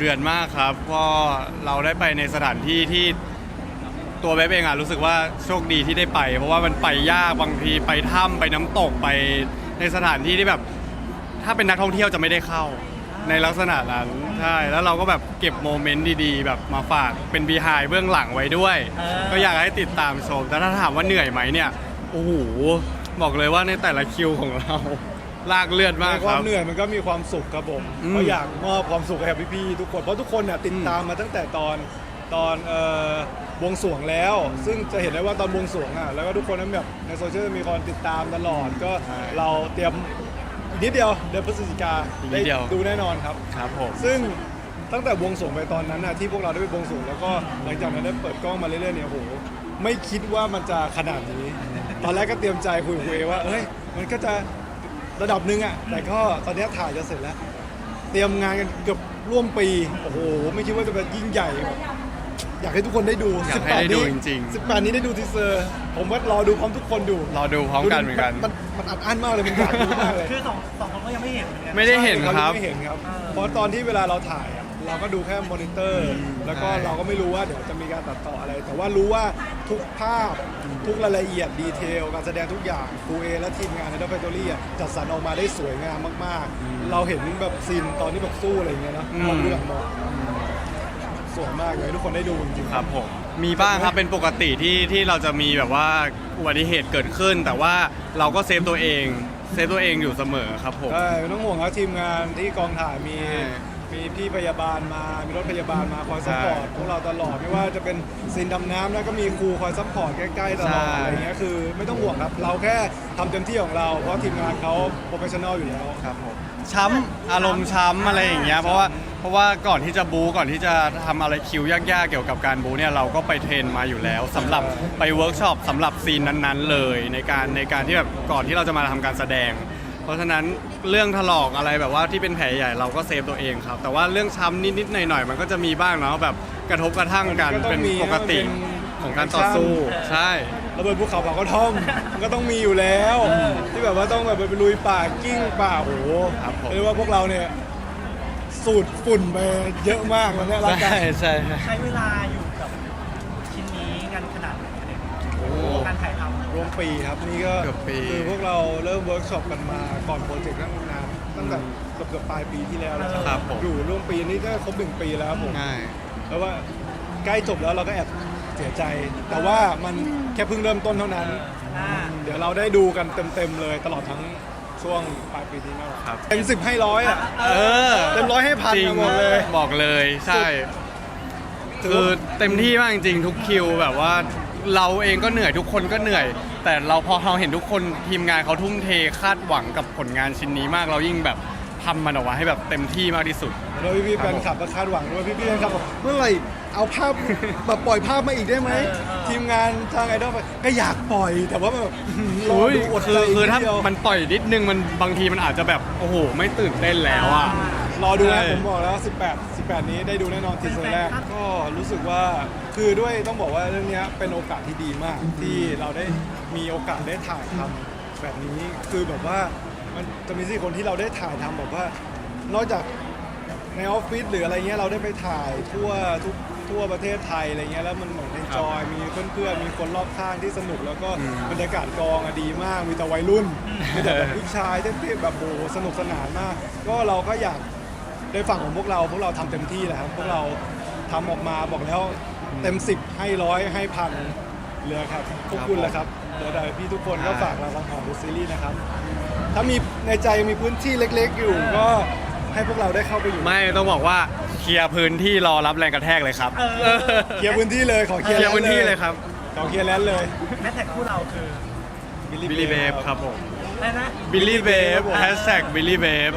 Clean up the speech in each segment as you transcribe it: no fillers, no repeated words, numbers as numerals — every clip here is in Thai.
อนมากครับก็เราได้ไปในสถานที่ที่ตัวเว็บเองรู้สึกว่าโชคดีที่ได้ไปเพราะว่ามันไปยากบางทีไปถ้ำไปน้ำตกไปในสถานที่ที่แบบถ้าเป็นนักท่องเที่ยวจะไม่ได้เข้าในลักษณะนั้นใช่แล้วเราก็แบบเก็บโมเมนต์ดีๆแบบมาฝากเป็นบีไฮเบื้องหลังไว้ด้วยก็อยากให้ติดตามชมแต่ถ้าถามว่าเหนื่อยไหมเนี่ยโอ้โหบอกเลยว่าในแต่ละคิวของเราลากเลือดมากครับความเหนื่อยมันก็มีความสุขครับผมเพราะอยากมอบความสุขให้กับพี่ๆทุกคนเพราะทุกคนเนี่ยติดตามมาตั้งแต่ตอนบวงสรวงแล้วซึ่งจะเห็นได้ว่าตอนบวงสรวงแล้วก็ทุกคนนั้นแบบในโซเชียลมีคนติดตามตลอดก็เราเตรียมอีกนิดเดียวเดือนพฤศจิกาได้ดูแน่นอนครับครับผมซึ่งตั้งแต่บวงสรวงไปตอนนั้นที่พวกเราได้ไปบวงสรวงแล้วก็หลังจากนั้นได้เปิดกล้องมาเรื่อยๆเนี่ยโหไม่คิดว่ามันจะขนาดนี้ตอนแรกก็เตรียมใจคุยว่าเอ้ยมันก็จะระดับหนึ่งแต่ก็ตอนนี้ถ่ายจะเสร็จแล้วเตรียมงานกันเกือบร่วมปีโอ้โหไม่คิดว่าจะเป็นยิ่งใหญ่แบบอยากให้ทุกคนได้ดู 18นี้จริงๆ18นี้ได้ดูทีเซอร์ผมว่ารอดูพร้อมทุกคนดูรอดูพร้อมกันเหมือนกันมันอัดอั้นมากเลยมันอยากดูมากเลยคือสองคนก็ยังไม่เห็นไม่ได้เห็นครับไม่เห็นครับเพราะตอนที่เวลาเราถ่ายเราก็ดูแค่มอนิเตอร์แล้วก็เราก็ไม่รู้ว่าเดี๋ยวจะมีการตัดต่ออะไรแต่ว่ารู้ว่าทุกภาพทุกรายละเอียดดีเทลการแสดงทุกอย่างครูเอและทีมงานในดับเบิลทอรี่จัดสรรออกมาได้สวยงามมากๆเราเห็นแบบซีนตอนที่แบบสู้อะไรอย่างเงี้ยนะมองดูหลังมองสวยมากเลยทุกคนได้ดูจริงๆครับผมมีบ้างครับเป็นปกติที่เราจะมีแบบว่าอุบัติเหตุเกิดขึ้นแต่ว่าเราก็เซฟตัวเองอยู่เสมอครับผมใช่ไม่ต้องห่วงครับทีมงานที่กองถ่ายมีพี่พยาบาลมามีรถพยาบาลมาคอยซัพพอร์ตพวกเราตลอดไม่ว่าจะเป็นซีนดำน้ำแล้วก็มีครูคอยซัพพอร์ตใกล้ๆตลอดอะไรเงี้ยคือไม่ต้องห่วงครับเราแค่ทำเต็มที่ของเราเพราะทีมงานเขาโปรเฟชชั่นอลอยู่แล้วครับผมช้ำอารมณ์ช้ำอะไรอย่างเงี้ยเพราะว่าก่อนที่จะบู๊ก่อนที่จะทำอะไรคิวยากๆเกี่ยวกับการบู๊เนี่ยเราก็ไปเทรนมาอยู่แล้วสำหรับไปเวิร์กช็อปสำหรับซีนนั้นๆเลยในการที่แบบก่อนที่เราจะมาทำการแสดงเพราะฉะนั้นเรื่องถลอกอะไรแบบว่าที่เป็นแผลใหญ่เราก็เซฟตัวเองครับแต่ว่าเรื่องช้ำนิดๆหน่อยๆมันก็จะมีบ้างเนาะแบบกระทบกระทั่งกันเป็นปกติของการต่อสู้ใช่ระเบิดภูเขาเผากระท่อมมันก็ต้องมีอยู่แล้วที่แบบว่าต้องแบบไปลุยป่ากิ้งป่าโอ้โหเรียกว่าพวกเราเนี่ยสูดฝุ่นไปเยอะมากแล้วเนี่ยร่างกายใช่ใช้เวลาอยู่กับชิ้นนี้กันขนาดไหนการถ่ายทำรวมปีครับนี่ก็คือพวกเราเริ่มเวิร์กช็อปกันมาก่อนโปรเจกต์นานตั้งแต่เกือบปลายปีที่แล้วแล้วครับอยู่ร่วมปีนี้ก็ครบ1 ปีแล้วผมแล้วว่าใกล้จบแล้วเราก็แอบเสียใจแต่ว่ามันแค่เพิ่งเริ่มต้นเท่านั้นเดี๋ยวเราได้ดูกันเต็มๆเลยตลอดทั้งช่วงปลายปีนี้นะครับเต็ม10ให้100เต็ม100ให้พันบอกเลยใช่คือเต็มที่มากจริงๆทุกคิวแบบว่าเราเองก็เหนื่อยทุกคนก็เหนื่อยแต่พอเราเห็นทุกคนทีมงานเขาทุ่มเทคาดหวังกับผลงานชิ้นนี้มากเรายิ่งแบบทำมันออกมาให้แบบเต็มที่มากที่สุดแล้วพี่แฟนคลับก็คาดหวังด้วยพี่แฟนคลับบอกเมื่อไหร่เอาภาพแบบปล่อยภาพมาอีกได้ไหมทีมงานทางไอดอลก็อยากปล่อยแต่ว่าแบบรอดูอดใจคือถ้ามันปล่อยนิดนึงมันบางทีมันอาจจะแบบโอ้โหไม่ตื่นเต้นแล้วรอดูนะผมบอกแล้ว18นี้ได้ดูแน่นอนทีเซอร์แรกก็รู้สึกว่าคือด้วยต้องบอกว่าเรื่องนี้เป็นโอกาสที่ดีมากที่เราได้มีโอกาสได้ถ่ายทำแบบนี้คือแบบว่ามันจะมี4 คนที่เราได้ถ่ายทำแบบว่านอกจากในออฟฟิศหรืออะไรเงี้ยเราได้ไปถ่ายทั่วประเทศไทยอะไรเงี้ยแล้วมันเหมือนเอนจอยมีเพื่อนๆมีคนรอบข้างที่สนุกแล้วก็บรรยากาศกองดีมากมีแต่วัยรุ่นมีแต่แบบผู้ชายเต้นๆแบบโอ้สนุกสนานมากก็เราก็อยากในฝั่งของพวกเราทำเต็มที่แหละครับพวกเราทำออกมาบอกแล้วเต็ม10ให้100ให้พันเหลือครับขอบคุณแล้วครับเหลือแต่พี่ทุกคนก็ฝากเราทำของดูซีรีส์นะครับถ้ามีในใจมีพื้นที่เล็กๆอยู่ก็ให้พวกเราได้เข้าไปอยู่ไม่ต้องบอกว่าเคลียร์พื้นที่รอรับแรงกระแทกเลยครับเคลียร์พื้นที่เลยขอเคลียร์พื้นที่เลยครับขอเคลียร์แลนด์เลยแมทแท็กคู่เราคือบิลลี่เบฟครับผมอะไรนะบิลลี่เบฟ#บิลลี่เบฟ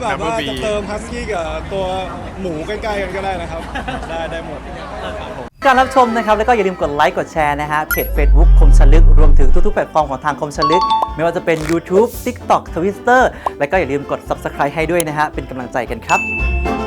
#เติมฮัสกี้กับตัวหมูใกล้ๆกันก็ได้นะครับได้หมดการรับชมนะครับแล้วก็อย่าลืมกดไลค์กดแชร์นะฮะเพจ Facebook คมชลึกรวมถึงทุกๆแพลตฟอร์มของทางคมชลึกไม่ว่าจะเป็น YouTube TikTok Twitter แล้วก็อย่าลืมกด Subscribe ให้ด้วยนะฮะเป็นกำลังใจกันครับ